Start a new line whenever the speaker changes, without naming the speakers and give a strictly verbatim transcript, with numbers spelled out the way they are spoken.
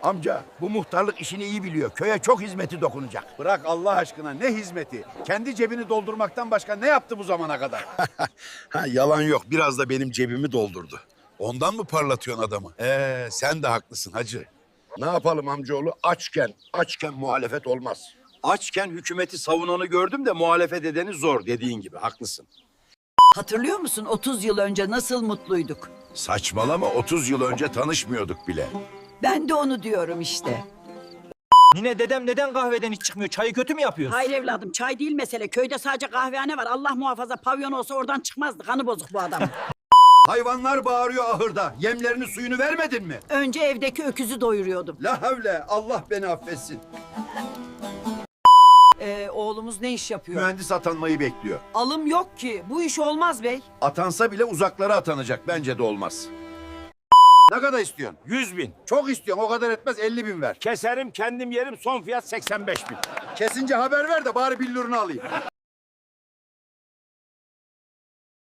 Amca bu muhtarlık işini iyi biliyor. Köye çok hizmeti dokunacak.
Bırak Allah aşkına, ne hizmeti? Kendi cebini doldurmaktan başka ne yaptı bu zamana kadar?
Ha, yalan yok. Biraz da benim cebimi doldurdu.
Ondan mı parlatıyorsun adamı? Ee, sen de haklısın hacı.
Ne yapalım amcaoğlu? Açken, açken muhalefet olmaz.
Açken hükümeti savunanı gördüm de muhalefet edeni zor, dediğin gibi haklısın.
Hatırlıyor musun otuz yıl önce nasıl mutluyduk?
Saçmalama, otuz yıl önce tanışmıyorduk bile.
Ben de onu diyorum işte.
Nine dedem neden kahveden hiç çıkmıyor? Çayı kötü mü yapıyorsun?
Hayır evladım, çay değil mesele. Köyde sadece kahvehane var. Allah muhafaza pavyon olsa oradan çıkmazdı. Kanı bozuk bu adam.
Hayvanlar bağırıyor ahırda. Yemlerini suyunu vermedin mi?
Önce evdeki öküzü doyuruyordum.
La havle, Allah beni affetsin.
Ee, oğlumuz ne iş yapıyor?
Mühendis atanmayı bekliyor.
Alım yok ki. Bu iş olmaz bey.
Atansa bile uzaklara atanacak. Bence de olmaz. Ne kadar istiyorsun?
Yüz bin.
Çok istiyorsun. O kadar etmez. elli bin ver.
Keserim, kendim yerim, son fiyat seksen beş bin.
Kesince haber ver de bari billurunu alayım.